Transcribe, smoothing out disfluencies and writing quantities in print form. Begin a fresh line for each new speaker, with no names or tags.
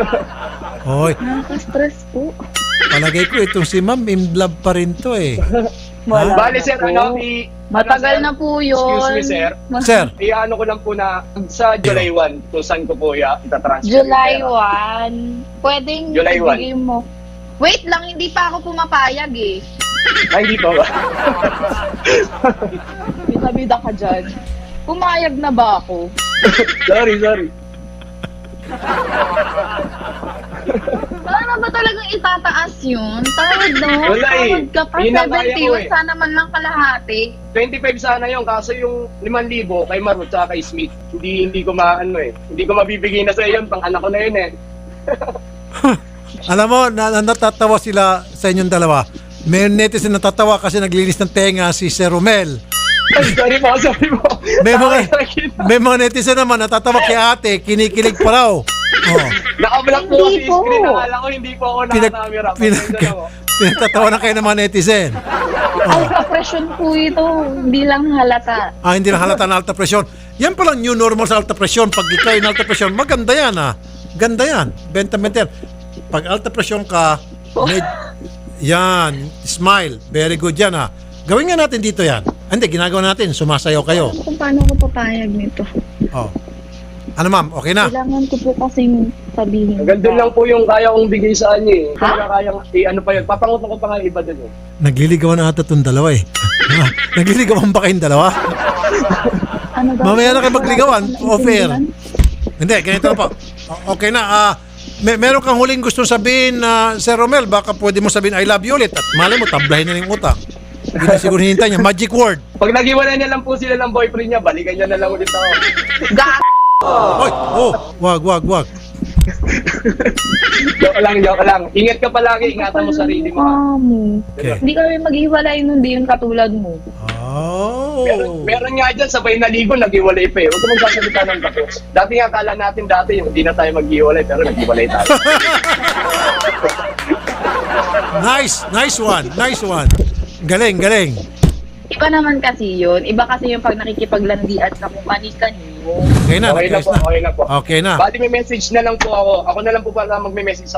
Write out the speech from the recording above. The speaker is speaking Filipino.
Hoy,
Nakaka-stress po.
palagay ko itong si ma'am, in love pa rin to eh.
Wala
Bale,
na
sir,
po. Matagal na po yun.
Excuse me, sir.
Sir,
Iano ko lang po na sa July 1, kung saan ko po itatransfer.
July
yung pera.
1. Pwedeng
July 1.
ibigay mo. Wait lang, hindi pa ako pumapayag eh.
Ay, hindi po ba?
Bida-bida ka dyan. Pumayag na ba ako?
sorry.
Paano ba talagang itataas yun? Tawad no?
Wala eh.
Tawad ka pa.
Yun ang kaya ko
70
eh.
sana man lang kalahati.
25 sana yun, kaso yung 5,000 kay Marut at kay Smith, hindi ko maano eh. Hindi ko mabibigay na sa iyo, pang anak ko na yun eh.
alam mo, natatawa sila sa inyong dalawa. May netizen natatawa kasi naglinis ng tenga si Sir Romel.
Ay, sorry po.
May mga netizen naman natatawa kay ate, kinikilig pa raw. Oh.
Naka-block po
Hindi
kasi
po.
screen, nakala ko hindi po ako nakakamera.
Pinagtatawa na kayo ng mga netizen.
Alpha pressure po ito. Hindi lang halata.
Hindi lang halata na alta presyon. Yan palang new normal sa alta presyon. Pag ikaw yung alta presyon, maganda yan Ganda yan. Benta-benta yan. Pag alta presyon ka, yan, smile. Very good yan Gawin nga natin dito yan. Hindi, ginagawa natin. Sumasayaw kayo.
Kung paano ko papayag nito.
Oh. Ano ma'am, okay na?
Kailangan ko po kasing sabihin.
Hanggang doon lang po yung kaya kong bigay sa kanya eh.
Ha?
Kayang, ano pa yun, papangutan ko pa nga iba doon eh.
Nagliligawan na ata itong dalawa eh. Nagliligawan ba kayong dalawa?
Ano ba?
Mamaya na kayo magligawan. Off-air. Hindi, ganito na po. Okay na. Meron kang huling gustong sabihin na Sir Romel, baka pwede mo sabihin I love you ulit at malay mo, tablahin na yung utang. Hindi na siguro hinintay niya. Magic word.
Pag nag-iwalay niya lang po sila ng boyfriend niya, balikan niya na lang ulit ako.
Hoy, wag.
Joke lang. Ingat ka palagi, ingatan mo sarili mo.
Okay.
Hindi kami maghiwalay nun, di yun katulad mo.
Oh.
Meron nga dyan, sabay naligo, nag-iwalay pa eh. Huwag ka magsasalita ng tapos. Dati nga, akala natin dati, hindi na tayo mag-iwalay, pero nag-iwalay tayo.
Nice one. Galing.
Iba naman kasi yun. Iba kasi yung pag nakikipaglandian ka kung kani-kanino.
Okay na,
Okay na po.
Okay na.
Bali may message na lang po ako. Ako na lang po pala magme-message sa